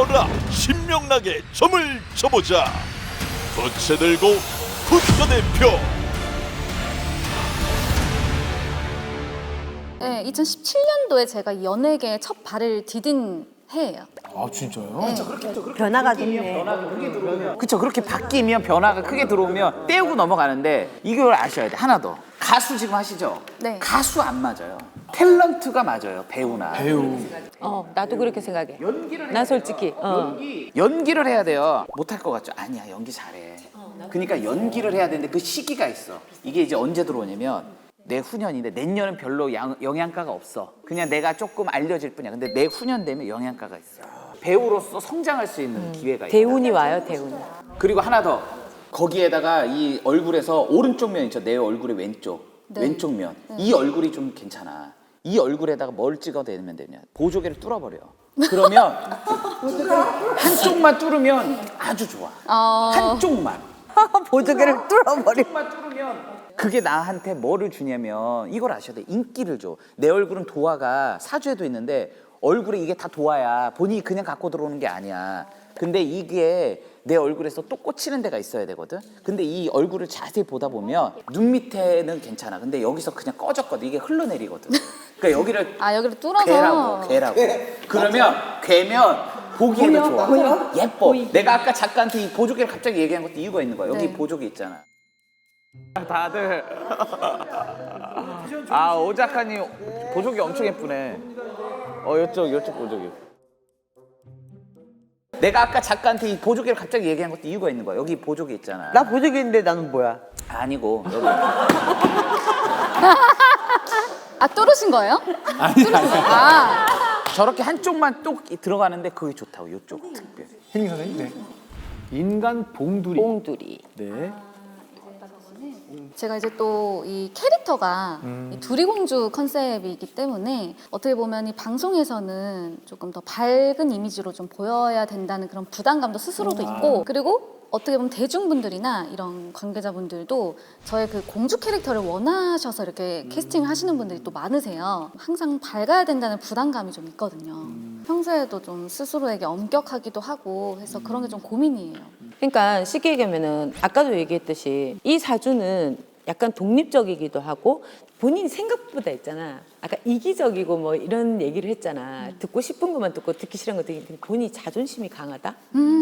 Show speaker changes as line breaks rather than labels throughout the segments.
떠오르라 신명나게 점을 쳐보자. 부채 들고 국가대표.
네, 2017년도에 제가 연예계에 첫 발을 디딘 해예요.
아 진짜요?
네.
변화가 좋네.
그쵸, 그렇게 바뀌면 변화가 크게 들어오면 떼우고 넘어가는데 이걸 아셔야 돼. 하나 더. 가수 지금 하시죠?
네.
가수 안 맞아요. 탤런트가 맞아요. 배우나.
배우.
나도 그렇게 생각해. 난 솔직히.
연기를 해야 돼요. 못할 것 같죠? 아니야, 연기 잘해. 그러니까 연기를 해야 되는데 그 시기가 있어. 이게 이제 언제 들어오냐면 내후년인데 내년은 별로 영양가가 없어. 그냥 내가 조금 알려질 뿐이야. 근데 내후년 되면 영양가가 있어. 배우로서 성장할 수 있는 기회가 있다.
대운이 와요, 대운이.
그리고 하나 더. 거기에다가 이 얼굴에서 오른쪽 면 있죠. 내 얼굴의 왼쪽.
네.
왼쪽 면. 이 얼굴이 좀 괜찮아. 이 얼굴에다가 뭘 찍어대면 되냐. 보조개를 뚫어버려. 그러면 한쪽만 뚫으면 아주 좋아. 한쪽만.
보조개를 뚫어버리.
한쪽만 뚫으면 그게 나한테 뭐를 주냐면 이걸 아셔야 돼. 인기를 줘. 내 얼굴은 도화가 사주에도 있는데 얼굴에 이게 다 도화야. 본인이 그냥 갖고 들어오는 게 아니야. 근데 이게 내 얼굴에서 또 꽂히는 데가 있어야 되거든. 근데 이 얼굴을 자세히 보다 보면 눈 밑에는 괜찮아. 근데 여기서 그냥 꺼졌거든. 이게 흘러내리거든. 그러니까 여기를
여기를 뚫어서.
괴라고. 그러면 괴면 보기에도 좋아. 예뻐. 내가 아까 작가한테 이 보조개를 갑자기 얘기한 것도 이유가 있는 거야. 여기
네.
보조개 있잖아. 다들 오 작가님 보조개 엄청 예쁘네. 요쪽 보조개. 내가 아까 작가한테 이 보조개를 갑자기 얘기한 것도 이유가 있는 거야. 여기 보조개 있잖아.
나 보조개인데 나는 뭐야?
아니고 여기.
뚫으신 거예요?
아니.
아,
저렇게 한쪽만 똑 들어가는데 그게 좋다고. 요쪽 특별.
혜민 선생님. 네. 인간 봉두리.
봉두리.
네.
제가 이제 또 이 캐릭터가 이 두리공주 컨셉이기 때문에 어떻게 보면 이 방송에서는 조금 더 밝은 이미지로 좀 보여야 된다는 그런 부담감도 스스로도 있고, 그리고 어떻게 보면 대중분들이나 이런 관계자분들도 저의 그 공주 캐릭터를 원하셔서 이렇게 캐스팅을 하시는 분들이 또 많으세요. 항상 밝아야 된다는 부담감이 좀 있거든요. 평소에도 좀 스스로에게 엄격하기도 하고 해서 그런 게 좀 고민이에요.
그러니까 쉽게 얘기하면은 아까도 얘기했듯이 이 사주는 약간 독립적이기도 하고 본인 생각보다 있잖아. 아까 이기적이고 뭐 이런 얘기를 했잖아. 듣고 싶은 것만 듣고 듣기 싫은 거 듣기. 본인이 자존심이 강하다?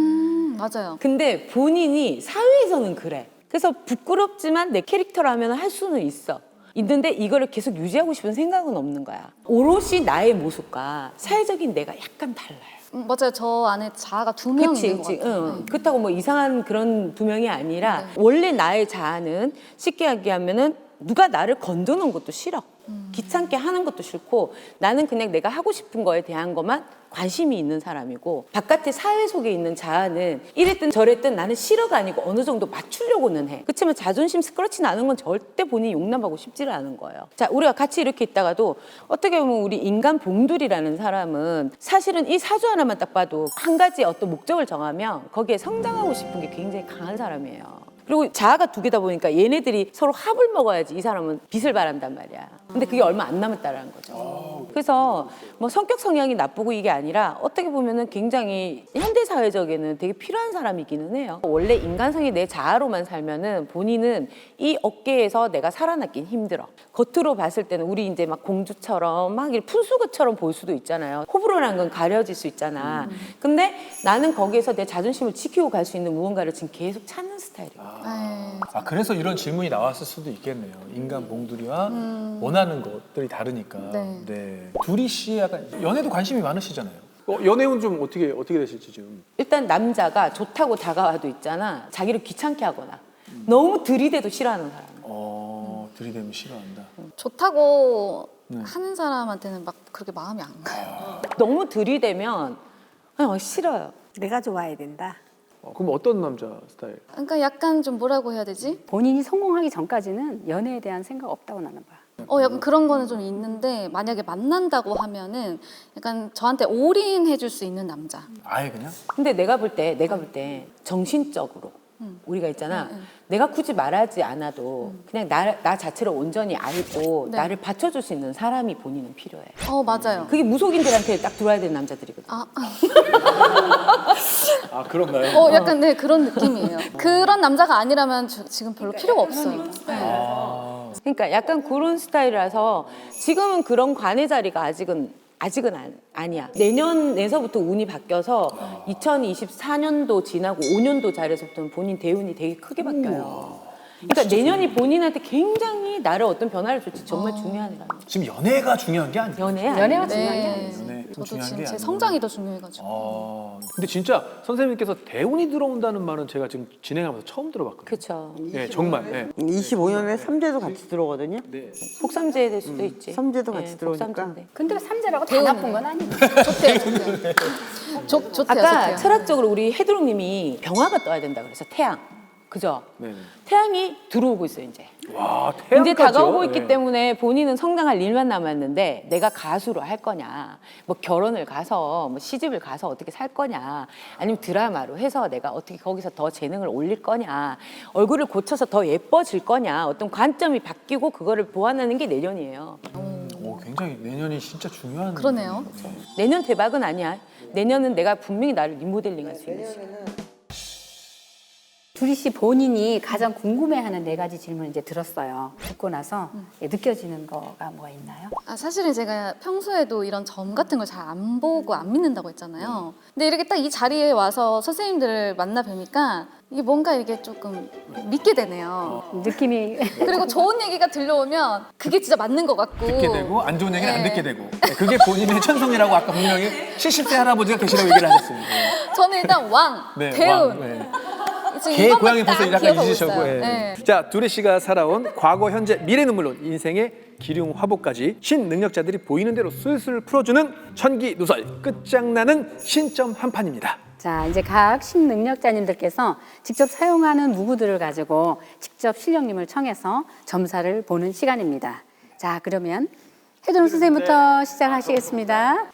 맞아요.
근데 본인이 사회에서는 그래. 그래서 부끄럽지만 내 캐릭터라면 할 수는 있어. 있는데 이거를 계속 유지하고 싶은 생각은 없는 거야. 오롯이 나의 모습과 사회적인 내가 약간 달라요.
맞아요. 저 안에 자아가 두 명 있는 것 같아요.
응. 그렇다고 뭐 이상한 그런 두 명이 아니라 원래 나의 자아는 쉽게 얘기하면은 누가 나를 건드는 것도 싫어. 귀찮게 하는 것도 싫고 나는 그냥 내가 하고 싶은 거에 대한 것만 관심이 있는 사람이고, 바깥의 사회 속에 있는 자아는 이랬든 저랬든 나는 싫어가 아니고 어느 정도 맞추려고는 해. 그렇지만 자존심 스크러치 나는 건 절대 본인이 용납하고 싶지를 않은 거예요. 자, 우리가 같이 이렇게 있다가도 어떻게 보면 우리 인간 봉두리라는 사람은 사실은 이 사주 하나만 딱 봐도 한 가지 어떤 목적을 정하면 거기에 성장하고 싶은 게 굉장히 강한 사람이에요. 그리고 자아가 두 개다 보니까 얘네들이 서로 합을 먹어야지 이 사람은 빛을 발한단 말이야. 근데 그게 얼마 안 남았다라는 거죠. 그래서 뭐 성격 성향이 나쁘고 이게 아니라 어떻게 보면은 굉장히 현대 사회적에는 되게 필요한 사람이기는 해요. 원래 인간성이 내 자아로만 살면은 본인은 이 업계에서 내가 살아남긴 힘들어. 겉으로 봤을 때는 우리 이제 막 공주처럼 막 이렇게 푼수그처럼 보일 수도 있잖아요. 호불호라는 건 가려질 수 있잖아. 근데 나는 거기에서 내 자존심을 지키고 갈 수 있는 무언가를 지금 계속 찾는 스타일이에요.
그래서 이런 질문이 나왔을 수도 있겠네요. 인간 봉두리와 원하는 것들이 다르니까.
네.
두리 씨 약간 연애도 관심이 많으시잖아요. 연애운 좀 어떻게 되실지 지금.
일단 남자가 좋다고 다가와도 있잖아. 자기를 귀찮게 하거나 너무 들이대도 싫어하는 사람.
들이대면 싫어한다.
좋다고 하는 사람한테는 막 그렇게 마음이 안 가요.
너무 들이대면 그냥 싫어요.
내가 좋아야 된다.
그럼 어떤 남자 스타일?
그러니까 약간 좀 뭐라고 해야 되지?
본인이 성공하기 전까지는 연애에 대한 생각 없다고 나는 봐.
약간 그런 거는 좀 있는데 만약에 만난다고 하면은 약간 저한테 올인해 줄 수 있는 남자.
아예 그냥?
근데 내가 볼 때 정신적으로 우리가 있잖아. 내가 굳이 말하지 않아도 그냥 나 자체를 온전히 알고
네.
나를 받쳐줄 수 있는 사람이 본인은 필요해.
맞아요.
그게 무속인들한테 딱 들어와야 되는 남자들이거든.
아 그런가요?
약간 네 그런 느낌이에요. 그런 남자가 아니라면 지금 별로 필요가 없어요. 네.
그러니까 약간 그런 스타일이라서 지금은 그런 관의 자리가 아직은 아니야. 내년에서부터 운이 바뀌어서 2024년도 지나고 5년도 자리에서부터는 본인 대운이 되게 크게 바뀌어요. 그러니까 내년이 본인한테 굉장히 나를 어떤 변화를 줄지 정말 중요한 해라.
지금 연애가 중요한 게 아니에요.
연애가 중요한 게 아니에요.
연애 좀
저도
중요한
지금
게
제
아니에요.
성장이 더 중요해가지고.
근데 진짜 선생님께서 대운이 들어온다는 말은 제가 지금 진행하면서 처음 들어봤거든요.
그렇죠.
네, 정말. 네.
25년에 삼재도 같이 들어오거든요.
폭삼제 될 수도 있지.
삼재도 같이 들어오니까.
폭삼제인데.
근데 삼재라고 다 나쁜 건 아니에요.
좋대요.
아까
좋대요.
철학적으로 우리 해드롱님이 병화가 떠야 된다 그래서 태양. 그죠?
네.
태양이 들어오고 있어요, 이제.
와,
이제
태양까지요?
다가오고 있기
네.
때문에 본인은 성장할 일만 남았는데 내가 가수로 할 거냐, 뭐 결혼을 가서, 뭐 시집을 가서 어떻게 살 거냐, 아니면 드라마로 해서 내가 어떻게 거기서 더 재능을 올릴 거냐, 얼굴을 고쳐서 더 예뻐질 거냐, 어떤 관점이 바뀌고 그거를 보완하는 게 내년이에요.
굉장히 내년이 진짜 중요한.
그러네요.
내년 대박은 아니야. 내년은 내가 분명히 나를 리모델링 할 수 있는 시간.
두리 씨 본인이 가장 궁금해하는 4가지 질문을 이제 들었어요. 듣고 나서 느껴지는 거가 뭐가 있나요?
사실은 제가 평소에도 이런 점 같은 걸 잘 안 보고 안 믿는다고 했잖아요. 근데 이렇게 딱 이 자리에 와서 선생님들을 만나 뵈니까 이게 뭔가 이게 조금 믿게 되네요.
느낌이
그리고 좋은 얘기가 들려오면 그게 진짜 맞는 것 같고.
듣게 되고 안 좋은 얘기는 안
네.
듣게 되고. 네, 그게 본인의 천성이라고 아까 분명히 70세 할아버지가 계시라고 얘기를 하셨습니다.
저는 일단 왕,
네,
대운.
왕, 네.
지금
개
이것만
고양이
딱
벌써 약간
기억하고
잊으셨고.
있어요.
예.
네.
자, 두레 씨가 살아온 과거, 현재, 미래는 물론 인생의 기륭 화보까지 신능력자들이 보이는 대로 술술 풀어주는 천기누설 끝장나는 신점 한판입니다.
자, 이제 각 신능력자님들께서 직접 사용하는 무구들을 가지고 직접 실력님을 청해서 점사를 보는 시간입니다. 자, 그러면 해드롱 선생님부터 시작하시겠습니다.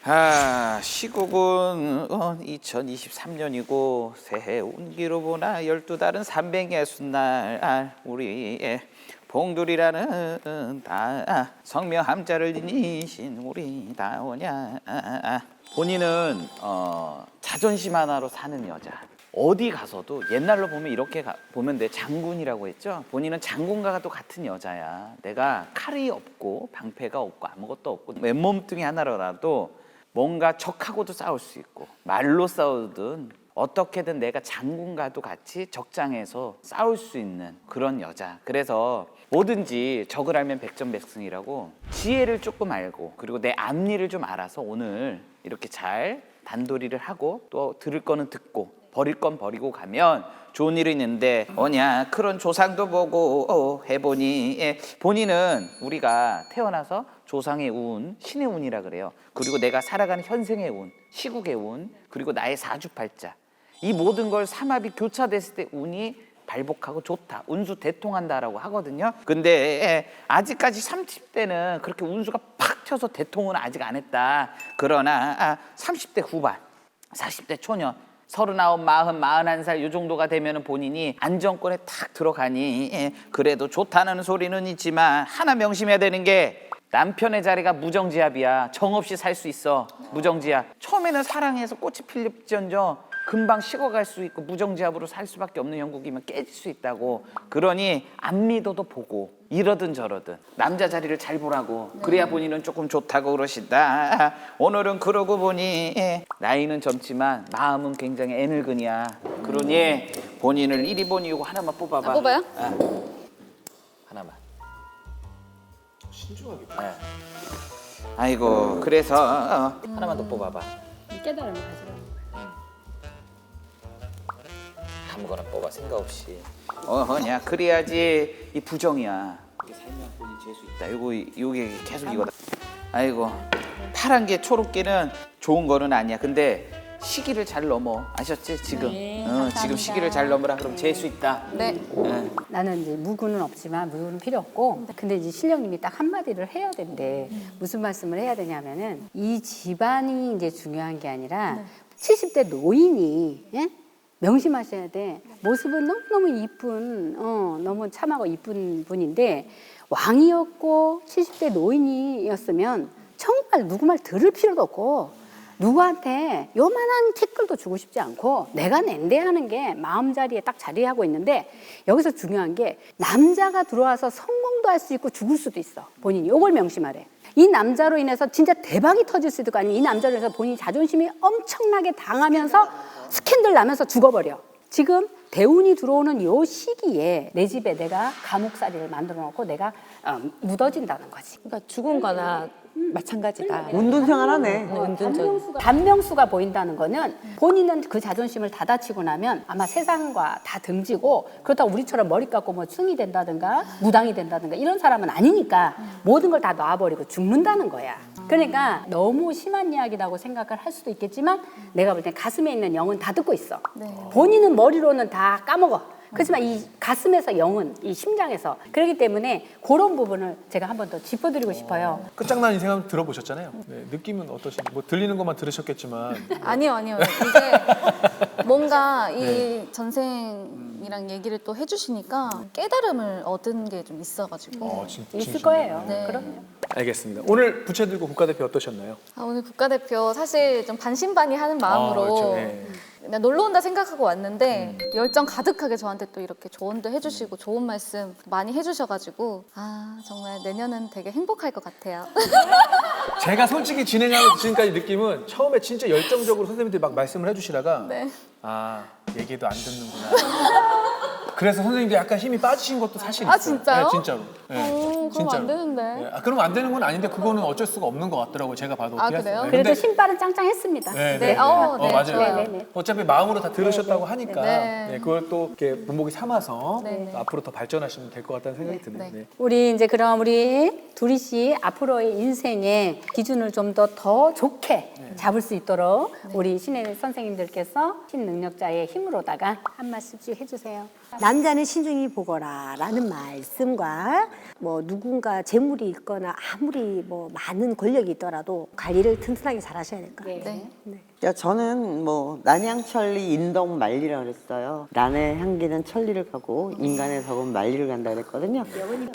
시국은 2023년이고 새해 운기로 보나 12달은 360날 우리의 봉돌이라는 다 성명함자를 지니신 우리 다오냐. 본인은 자존심 하나로 사는 여자. 어디 가서도 옛날로 보면 이렇게 보면 돼. 장군이라고 했죠. 본인은 장군과가 또 같은 여자야. 내가 칼이 없고 방패가 없고 아무것도 없고 맨몸뚱이 하나로라도 뭔가 적하고도 싸울 수 있고 말로 싸우든 어떻게든 내가 장군과도 같이 적장에서 싸울 수 있는 그런 여자. 그래서 뭐든지 적을 알면 백전백승이라고 지혜를 조금 알고 그리고 내 앞일을 좀 알아서 오늘 이렇게 잘 단도리를 하고 또 들을 거는 듣고 버릴 건 버리고 가면 좋은 일이 있는데 뭐냐 그런 조상도 보고 해보니 본인은 우리가 태어나서 조상의 운, 신의 운이라 그래요. 그리고 내가 살아가는 현생의 운, 시국의 운, 그리고 나의 사주팔자 이 모든 걸 삼합이 교차됐을 때 운이 발복하고 좋다, 운수 대통한다라고 하거든요. 근데 아직까지 30대는 그렇게 운수가 팍 튀어서 대통은 아직 안 했다. 그러나 30대 후반, 40대 초년 39, 40, 41살 이 정도가 되면 본인이 안정권에 탁 들어가니 그래도 좋다는 소리는 있지만 하나 명심해야 되는 게 남편의 자리가 무정지압이야. 정없이 살 수 있어. 무정지압. 처음에는 사랑해서 꽃이 필립지언정 금방 식어갈 수 있고 무정지압으로 살 수밖에 없는 형국이면 깨질 수 있다고. 그러니 안 믿어도 보고 이러든 저러든 남자 자리를 잘 보라고. 그래야 본인은 조금 좋다고 그러신다. 오늘은 그러고 보니 나이는 젊지만 마음은 굉장히 애늙은이야. 그러니 본인을 1위 본이 이거 하나만 뽑아봐.
뽑아요?
하나만. 신중하게. 아이고 그래서 하나만 더 뽑아봐.
깨달음을 가지라는 거예요.
아무거나 뽑아 생각 없이. 어허냐 그래야지 이 부정이야. 이게 살면 본인 재수 있다. 요게 계속 이거다. 아이고 파란 게 초록게는 좋은 거는 아니야. 근데 시기를 잘 넘어. 아셨지 지금? 지금 시기를 잘 넘으라. 그럼 재수 있다.
네.
나는 이제 무구는 없지만 무구는 필요 없고 근데 이제 실령님이 딱 한마디를 해야 된대. 무슨 말씀을 해야 되냐면은 이 집안이 이제 중요한 게 아니라 70대 노인이 예? 명심하셔야 돼. 모습은 너무너무 이쁜, 너무 참하고 이쁜 분인데 왕이었고 70대 노인이었으면 정말 누구 말 들을 필요도 없고 누구한테 요만한 티끌도 주고 싶지 않고 내가 낸대 하는 게 마음자리에 딱 자리하고 있는데 여기서 중요한 게 남자가 들어와서 성공도 할 수 있고 죽을 수도 있어. 본인이. 요걸 명심하래. 이 남자로 인해서 진짜 대박이 터질 수도 있고 아니면 이 남자로 인해서 본인이 자존심이 엄청나게 당하면서 스캔들 나면서 죽어버려. 지금 대운이 들어오는 요 시기에 내 집에 내가 감옥살이를 만들어 놓고 내가 묻어진다는 거지.
그러니까 죽은 거나 마찬가지다.
운둔생활하네.
운둔전.
단명수가 보인다는 거는 본인은 그 자존심을 다 다치고 나면 아마 세상과 다 등지고 그렇다고 우리처럼 머리 깎고 뭐 승이 된다든가 무당이 된다든가 이런 사람은 아니니까 모든 걸 다 놔버리고 죽는다는 거야. 그러니까 너무 심한 이야기라고 생각을 할 수도 있겠지만 내가 볼 땐 가슴에 있는 영은 다 듣고 있어. 본인은 머리로는 다 까먹어. 그렇지만 이 가슴에서 영은 이 심장에서 그렇기 때문에 그런 부분을 제가 한 번 더 짚어드리고 싶어요.
끝장난 인생 한번 들어보셨잖아요. 네, 느낌은 어떠신지 뭐 들리는 것만 들으셨겠지만
아니요. 이제 뭔가 이 전생이랑 얘기를 또 해주시니까 깨달음을 얻은 게 좀 있어가지고.
있을 거예요.
네.
그럼요.
알겠습니다. 오늘 부채 들고 국가대표 어떠셨나요?
오늘 국가대표 사실 좀 반신반의하는 마음으로
그렇죠. 네.
그냥 놀러 온다 생각하고 왔는데 열정 가득하게 저한테 또 이렇게 조언도 해주시고 좋은 말씀 많이 해주셔가지고 정말 내년은 되게 행복할 것 같아요.
제가 솔직히 진행하는 지금까지 느낌은 처음에 진짜 열정적으로 선생님들이 막 말씀을 해주시다가
네.
얘기도 안 듣는구나. 그래서 선생님들이 약간 힘이 빠지신 것도 사실 있어요.
진짜요?
네, 진짜로. 네,
그럼 안 되는데.
네. 그러면 안 되는 건 아닌데 그거는 어쩔 수가 없는 것 같더라고요. 제가 봐도 어떻게
그래요?
할 수-
그래도
근데-
신발은 짱짱했습니다.
네,
네,
맞아요.
네.
어차피 마음으로 다 들으셨다고 하니까
네.
네, 그걸 또 이렇게 본보기 삼아서
네.
또 앞으로 더 발전하시면 될 것 같다는 생각이 드네요.
네.
네.
우리 이제 그럼 우리 두리 씨 앞으로의 인생의 기준을 좀 더 좋게 잡을 수 있도록 우리 신의 선생님들께서 신능력자의 힘으로다가 한 말씀씩 해주세요.
남자는 신중히 보거라라는 말씀과 뭐 누군가 재물이 있거나 아무리 뭐 많은 권력이 있더라도 관리를 튼튼하게 잘 하셔야 될 거예요.
네.
야, 저는 뭐 난향천리 인덕만리라 그랬어요. 난의 향기는 천리를 가고 인간의 덕은 만리를 간다 그랬거든요.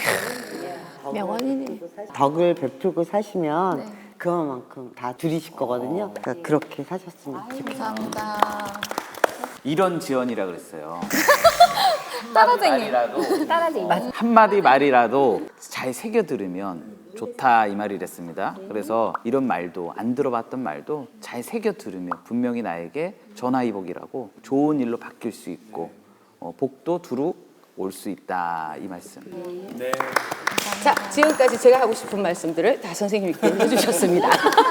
명언이네.
덕을 베풀고 사시면 그만큼 다 들이실 거거든요. 그러니까 그렇게 사셨으면 좋겠어요.
감사합니다.
이런 지연이라 그랬어요.
따라쟁이.
따라지 맞아.
한마디 말이라도 잘 새겨 들으면 좋다 이 말이랬습니다. 그래서 이런 말도 안 들어봤던 말도 잘 새겨 들으면 분명히 나에게 전화위복이라고 좋은 일로 바뀔 수 있고 복도 두루 올 수 있다 이 말씀.
네.
자, 지금까지 제가 하고 싶은 말씀들을 다 선생님께 해주셨습니다.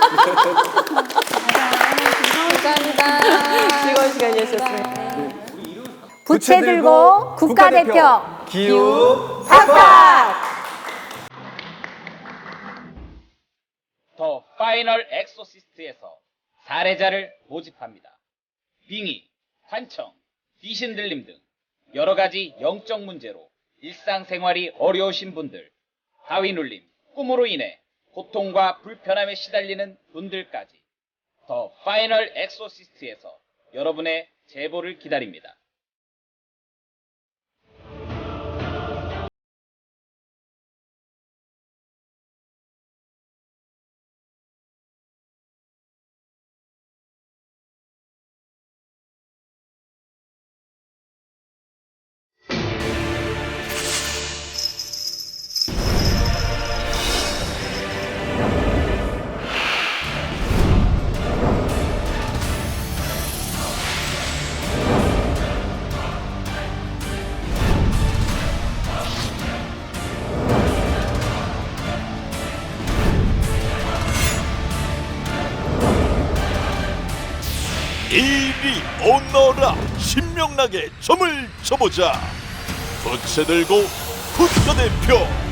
감사합니다.
즐거운 시간이었습니다.
부채 들고 국가대표
기우
더 파이널 엑소시스트에서 사례자를 모집합니다. 빙의, 환청, 귀신 들림 등 여러 가지 영적 문제로 일상생활이 어려우신 분들, 하위 눌림, 꿈으로 인해 고통과 불편함에 시달리는 분들까지 더 파이널 엑소시스트에서 여러분의 제보를 기다립니다.
이리 오너라 신명나게 점을 쳐보자 부채 들고 국가대표